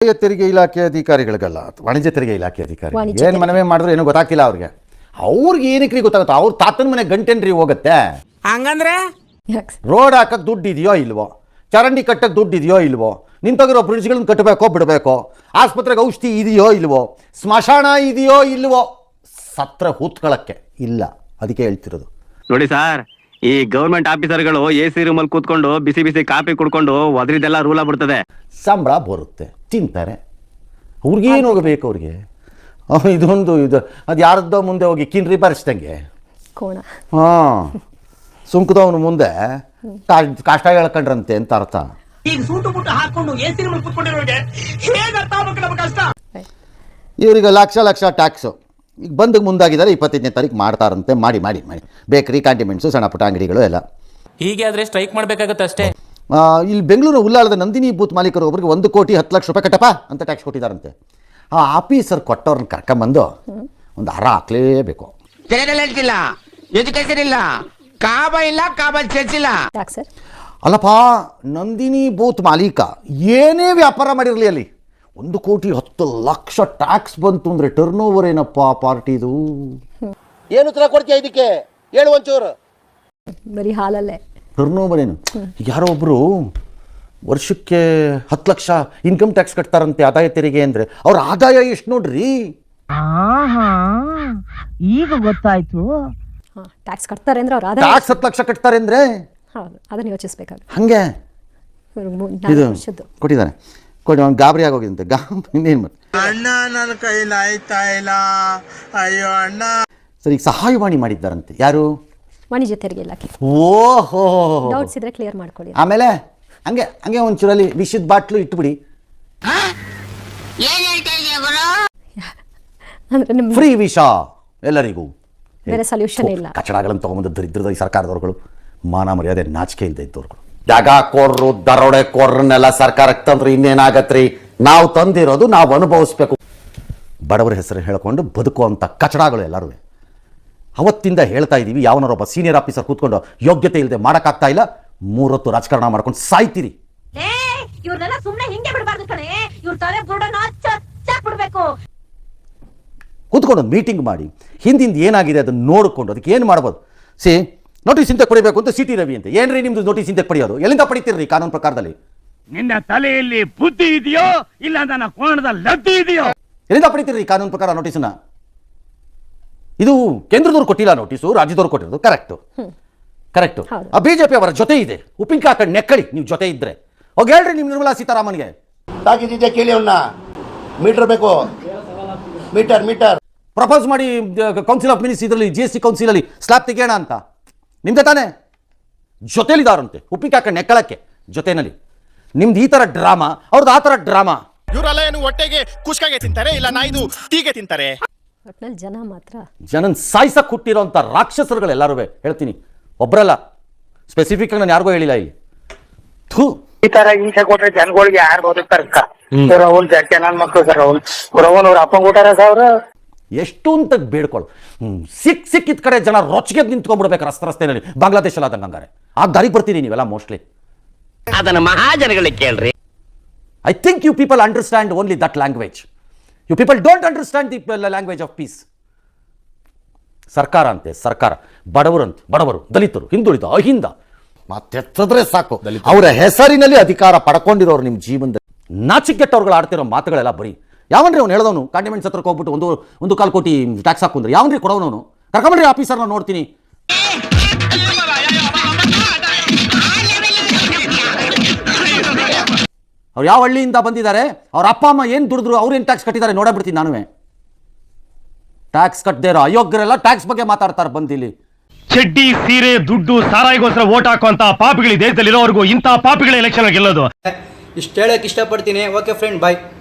ತೆರಿಗೆ ಇಲಾಖೆ ಅಧಿಕಾರಿಗಳಿಗಲ್ಲ, ವಾಣಿಜ್ಯ ತೆರಿಗೆ ಇಲಾಖೆ ಅಧಿಕಾರಿ ಏನು ಮನವಿ ಮಾಡಿದ್ರು ಏನೂ ಗೊತ್ತಾಗಿಲ್ಲ ಅವ್ರಿಗೆ ಏನಕ್ಕೆ ಗೊತ್ತಾಗುತ್ತೆ? ಅವ್ರ ತಾತನ ಮನೆ ಗಂಟೆನ್ರಿ ಹೋಗುತ್ತೆ. ಹಂಗಂದ್ರೆ ರೋಡ್ ಹಾಕಕ್ಕೆ ದುಡ್ಡು ಇದೆಯೋ ಇಲ್ವೋ, ಚರಂಡಿ ಕಟ್ಟಕ್ಕೆ ದುಡ್ಡು ಇದೆಯೋ ಇಲ್ವೋ, ನಿಂತೋಗಿರೋ ಬ್ರಿಡ್ಜ್ಗಳನ್ನ ಕಟ್ಟಬೇಕೋ ಬಿಡಬೇಕೋ, ಆಸ್ಪತ್ರೆಗೆ ಔಷಧಿ ಇದೆಯೋ ಇಲ್ವೋ, ಸ್ಮಶಾನ ಇದೆಯೋ ಇಲ್ವೋ, ಸತ್ರ ಹೂತ್ಕೊಳ್ಳಕ್ಕೆ ಇಲ್ಲ. ಅದಕ್ಕೆ ಹೇಳ್ತಿರೋದು ನೋಡಿ ಸರ್, ಈ ಗವರ್ಮೆಂಟ್ ಆಫೀಸರ್ಗಳು AC ರೂಮಲ್ಲಿ ಕೂತ್ಕೊಂಡು ಬಿಸಿ ಬಿಸಿ ಕಾಫಿ ಕುಡ್ಕೊಂಡು ಒದ್ರಿದೆಲ್ಲ ರೂಲ ಬಿಡ್ತದೆ. ಸಂಬಳ ಬರುತ್ತೆ, ತಿಂತಾರೆ. ಅವ್ರಿಗೇನು ಹೋಗಬೇಕು? ಅವ್ರಿಗೆ ಇದೊಂದು ಅದು ಯಾರದ್ದೋ ಮುಂದೆ ಹೋಗಿ ಕಿನ್ರಿ ಬರೆಸ್ದಂಗೆ ಹಾಂ, ಸುಂಕದವನು ಮುಂದೆ ಕಷ್ಟ ಹೇಳ್ಕೊಂಡ್ರಂತೆ ಅಂತ ಅರ್ಥ. ಇವರಿಗೆ ಲಕ್ಷ ಲಕ್ಷ ಟ್ಯಾಕ್ಸು ಈಗ ಬಂದು ಮುಂದಾಗಿದ್ದಾರೆ. 25ನೇ ತಾರೀಕು ಮಾಡ್ತಾರಂತೆ. ಮಾಡಿ ಮಾಡಿ ಮಾಡಿ ಬೇಕರಿ, ಕ್ಯಾಂಟಿಮೆಂಟ್ಸು, ಸಣ್ಣ ಪುಟ್ಟ ಅಂಗಡಿಗಳು ಎಲ್ಲ ಹೀಗೆ ಆದರೆ ಸ್ಟ್ರೈಕ್ ಮಾಡಬೇಕಾಗುತ್ತೆ ಅಷ್ಟೇ. ಇಲ್ಲಿ ಬೆಂಗಳೂರು ಉಳ್ಳಾಳದ ನಂದಿನಿ ಬೂತ್ ಮಾಲೀಕರು ಒಬ್ಬರಿಗೆ 1 ಕೋಟಿ 10 ಲಕ್ಷ ರೂಪಾಯಿ ಕಟ್ಟಪ್ಪ ಅಂತ ಟ್ಯಾಕ್ಸ್ ಕೊಟ್ಟಿದ್ದಾರಂತೆ. ಆ ಆಫೀಸರ್ ಕೊಟ್ಟವ್ರನ್ನ ಕರ್ಕೊಂಬಂದು ಒಂದು ಹಾರ ಹಾಕ್ಲೇಬೇಕು. ಎಜುಕೇಶನ್ ಇಲ್ಲ, ಕಾಬ ಇಲ್ಲ, ಕಾಬಲ್ ಚರ್ಚ್ ಇಲ್ಲ. ಅಲ್ಲಪ್ಪ, ನಂದಿನಿ ಬೂತ್ ಮಾಲೀಕ ಏನೇ ವ್ಯಾಪಾರ ಮಾಡಿರಲಿ ಅಲ್ಲಿ 1 ಕೋಟಿ 10 ಲಕ್ಷ ಟ್ಯಾಕ್ಸ್ ಬಂತು ಅಂದರೆ ಟರ್ನ್ ಓವರ್ ಏನಪ್ಪ ಪಾರ್ಟಿದು? ಏನು ಉತ್ತರ ಕೊಡ್ತೀಯ ಇದಕ್ಕೆ? ಹೇಳು ಒಂಚೂರು. ಬರೀ ಹಾಲಲ್ಲೇ ಟರ್ನ್ ಓವರ್ ಏನು? ಯಾರೋ ಒಬ್ಬರು ವರ್ಷಕ್ಕೆ 10 ಲಕ್ಷ ಇನ್ಕಮ್ ಟ್ಯಾಕ್ಸ್ ಕಟ್ತಾರಂತೆ ಆದಾಯ ತೆರಿಗೆ ಅಂದರೆ. ಅವ್ರ ಆದಾಯ ಎಷ್ಟು ನೋಡ್ರಿ? ಈಗ ಗೊತ್ತಾಯ್ತು. ಟ್ಯಾಕ್ಸ್ ಕಟ್ತಾರೆ ಅಂದ್ರೆ ಅವ್ರ ಆದಾಯ ಟ್ಯಾಕ್ಸ್ 10 ಲಕ್ಷ ಕಟ್ತಾರೆ ಅಂದರೆ ಹೌದು, ಅದನ್ನ ಯೋಚಿಸಬೇಕಾಗುತ್ತೆ. ಹಾಗೆ ಇದು ಕೊಟ್ಟಿದ್ದಾರೆ. ಅವ್ನು ಗಾಬರಿ ಆಗೋಗಿದಂತೆ. ಇನ್ನೇನು ಅಣ್ಣ ನನ್ನ ಕೈಲಿ ಆಯ್ತಾ ಇಲ್ಲ, ಅಯ್ಯೋ ಅಣ್ಣ. ಸರ್, ಈಗ ಸಹಾಯವಾಣಿ ಮಾಡಿದ್ದಾರಂತೆ. ಯಾರು? ವಾಣಿಜ್ಯ ತೆರಿಗೆ ಇಲಾಖೆ. ಓಹೋ, ಡೌಟ್ಸ್ ಇದ್ರೆ ಕ್ಲಿಯರ್ ಮಾಡ್ಕೊಳ್ಳಿ. ಆಮೇಲೆ ಹಂಗೆ ಹಂಗೆ ಒಂಚೂರಲ್ಲಿ ವಿಷದ ಬಾಟ್ಲು ಇಟ್ಬಿಡಿ. ಅಂದ್ರೆ ನಿಮ್ಮ ಫ್ರೀ ವಿಷ ಎಲ್ಲರಿಗೂ. ಬೇರೆ ಸೊಲ್ಯೂಷನ್ ಇಲ್ಲ. ಕಚಡಗಳನ್ನು ತಗೊಂಬಂದು ದರಿದ್ರದ ಈ ಸರ್ಕಾರದವ್ರುಗಳು, ಮಾನ ಮರ್ಯಾದೆ ನಾಚಿಕೆ ಇಲ್ಲದೆ ಇದ್ದವ್ರುಗಳು. ಜಾಗ ಕೋರ್ರು, ದರೋಡೆ ಕೋರ್ರನ್ನೆಲ್ಲ ಸರ್ಕಾರಕ್ಕೆ ತಂದ್ರೆ ಇನ್ನೇನಾಗತ್ರಿ? ನಾವು ತಂದಿರೋದು ನಾವು ಅನುಭವಿಸ್ಬೇಕು. ಬಡವರ ಹೆಸರು ಹೇಳ್ಕೊಂಡು ಬದುಕುವಂಥ ಕಚಡಗಳು ಎಲ್ಲರೂ ಅವತ್ತಿಂದ ಹೇಳ್ತಾ ಇದ್ದೀವಿ. ಯಾವನಾರೊಬ್ಬ ಸೀನಿಯರ್ ಆಫೀಸರ್ ಕೂತ್ಕೊಂಡು ಯೋಗ್ಯತೆ ಇಲ್ಲದೆ ಮಾಡೋಕ್ಕಾಗ್ತಾ ಇಲ್ಲ, 3 ಹೊತ್ತು ರಾಜಕಾರಣ ಮಾಡ್ಕೊಂಡು ಸಾಯ್ತೀರಿ. ಕೂತ್ಕೊಂಡು ಮೀಟಿಂಗ್ ಮಾಡಿ ಹಿಂದಿಂದ ಏನಾಗಿದೆ ಅದನ್ನು ನೋಡಿಕೊಂಡು ಅದಕ್ಕೆ ಏನು ಮಾಡ್ಬೋದು. ನೋಟಿಸ್ ಇಂತೆ ಪಡಿಬೇಕು ಅಂತ CT ರವಿ ಅಂತ. ಏನ್ರಿ ನಿಮ್ದು ನೋಟಿಸ್ ಇಂತೆ ಪಡೆಯೋದು? ಎಲ್ಲಿಂದ ಪಡಿತೀರಿ ಕಾನೂನು ಪ್ರಕಾರದಲ್ಲಿ? ನಿನ್ನ ತಲೆಯಲ್ಲಿ ಬುದ್ಧಿ ಇದೆಯೋ ಇಲ್ಲ ನನ್ನ ಕೋಣದ ಲದ್ದಿ ಇದೆಯೋ? ಎಲ್ಲಿಂದ ಪಡಿತೀರಿ ಕಾನೂನು ಪ್ರಕಾರ ನೋಟಿಸ್ನ? ಇದು ಕೇಂದ್ರದವ್ರು ಕೊಟ್ಟಿಲ್ಲ ನೋಟಿಸು, ರಾಜ್ಯದವ್ರು ಕೊಟ್ಟಿರೋದು. ಕರೆಕ್ಟು. ಆ BJP ಅವರ ಜೊತೆ ಇದೆ. ಉಪ್ಪಿನಕಾಯಿ ಹಾಕೊಂಡು ನೆಕ್ಕಳಿ ನೀವು ಜೊತೆ ಇದ್ರೆ. ಹೋಗಿ ಹೇಳ್ರಿ ನಿಮ್ಮ ನಿರ್ಮಲಾ ಸೀತಾರಾಮನ್ಗೆ. ತಾಕಿದ್ದೆ ಕೇಳಿ ಅವನ್ನ. ಮೀಟರ್ ಬೇಕು, ಮೀಟರ್ ಪ್ರಪೋಸ್ ಮಾಡಿ ಕೌನ್ಸಿಲ್ ಆಫ್ ಮಿನಿಸ್ಟರ್ ಇದರಲ್ಲಿ GST ಕೌನ್ಸಿಲಲ್ಲಿ ಸ್ಲ್ಯಾಬ್ ತೆಗೆಯೋಣ ಅಂತ. ನಿಮ್ದೆ ತಾನೇ? ಜೊತೆಲಿದಾರಂತೆ ಉಪ್ಪಿನಕಾಯಿ ಹಾಕೊಂಡು ನೆಕ್ಕಳಕ್ಕೆ ಜೊತೆನಲ್ಲಿ. ನಿಮ್ದು ಈ ಥರ ಡ್ರಾಮಾ, ಅವ್ರದ್ದು ಆ ಥರ ಡ್ರಾಮಾ. ಇವರೆಲ್ಲ ಏನು ಹೊಟ್ಟೆಗೆ ಕುಷ್ಕಾಗೆ ತಿಂತಾರೆ ಇಲ್ಲ ನಾಯ್ದು ಟೀಗೆ ತಿಂತಾರೆ? ಜನ ಮಾತ್ರ ಜನನ್ ಸಾಯಿಸಕ್ಕೆ ಹುಟ್ಟಿರೋಂಥ ರಾಕ್ಷಸರುಗಳೆಲ್ಲರೂ ಹೇಳ್ತೀನಿ. ಒಬ್ಬರಲ್ಲ, ಸ್ಪೆಸಿಫಿಕ್ ಆಗಿ ನಾನು ಯಾರಿಗೂ ಹೇಳಿಲ್ಲ ಇಲ್ಲಿ. ಈ ತರ ಹಿಂಸೆ ಕೊಟ್ರೆ ಜನಗಳಿಗೆ ಯಾರು ಬದುಕ್ತಾರೆ? ರಾಹುಲ್ ಜಾಕೆ ನನ್ನ ಮಕ್ಕಳು ಸರ್, ರಾಹುಲ್ ಅವ್ರ ಅಪ್ಪಂಗ ಊಟಾರ ಸಾವಿರ ಎಷ್ಟು ಅಂತ ಬೇಡ್ಕೊಳ್ಳು. ಸಿಕ್ಕಿದ ಕಡೆ ಜನ ರೊಚ್ಚಿಗೆ ನಿಂತ್ಕೊಂಡ್ಬಿಡ್ಬೇಕು ರಸ್ತೆನಲ್ಲಿ, ಬಾಂಗ್ಲಾದೇಶಲ್ಲಿ ಆದಂಗೆ. ಹಂಗಾರೆ ಆ ದಾರಿಗೆ ಬರ್ತೀರಿ ನೀವೆಲ್ಲ ಮೋಸ್ಟ್ಲಿ. ಅದನ್ನ ಮಹಾಜನಗಳಿಗೆ ಕೇಳ್ರಿ. I think you people understand only that language. You people don't understand the language of peace. ಸರ್ಕಾರ ಅಂತೆ ಸರ್ಕಾರ, ಬಡವರು, ದಲಿತರು, ಹಿಂದುಳಿದ, ಅಹಿಂದ ಮಾತೆತ್ತಿದ್ರೆ ಸಾಕು. ಅವರ ಹೆಸರಿನಲ್ಲಿ ಅಧಿಕಾರ ಪಡ್ಕೊಂಡಿರೋರು ನಿಮ್ಮ ಜೀವನದಲ್ಲಿ. ನಾಚಿಕೆಟ್ಟವ್ರುಗಳು ಆಡ್ತಿರೋ ಮಾತುಗಳೆಲ್ಲ ಬರೀ. ಯಾವನ್ರಿ ಅವ್ನು ಹೇಳಿದವನು ಕಾಂಡಿಮೆಂಟ್ಸ್ ಹತ್ರಕ್ಕೆ ಹೋಗ್ಬಿಟ್ಟು 1.25 ಕೋಟಿ ಟ್ಯಾಕ್ಸ್ ಹಾಕುಂದ್ರೆ ಯಾವನ್ರಿ ಕೊಡೋನವನು? ಕರ್ಕೊಂಡ್ರಿ ಆಫೀಸರ್ನ ನೋಡ್ತೀನಿ. ಅವ್ರು ಯಾವ ಹಳ್ಳಿಯಿಂದ ಬಂದಿದ್ದಾರೆ, ಅವ್ರ ಅಪ್ಪ ಅಮ್ಮ ಏನು ದುಡಿದ್ರು, ಅವ್ರು ಏನು ಟ್ಯಾಕ್ಸ್ ಕಟ್ಟಿದ್ದಾರೆ ನೋಡಬಿಡ್ತೀನಿ ನಾನುವೇ. ಟ್ಯಾಕ್ಸ್ ಕಟ್ಟದೇ ಇರೋ ಅಯೋಗ್ಯರೆಲ್ಲ ಟ್ಯಾಕ್ಸ್ ಬಗ್ಗೆ ಮಾತಾಡ್ತಾರೆ ಬಂದಿಲ್ಲಿ. ಚಡ್ಡಿ, ಸೀರೆ, ದುಡ್ಡು, ಸಾರಾಯಿಗೋಸ್ಕರ ಓಟ್ ಹಾಕುವಂತ ಪಾಪಿಗಳು ದೇಶದಲ್ಲಿರೋವರೆಗೂ ಇಂಥ ಪಾಪಿಗಳ ಎಲೆಕ್ಷನ್ ಗೆಲ್ಲೋದು. ಇಷ್ಟು ಹೇಳಕ್ಕೆ ಇಷ್ಟಪಡ್ತೀನಿ. ಓಕೆ ಫ್ರೆಂಡ್, ಬಾಯ್.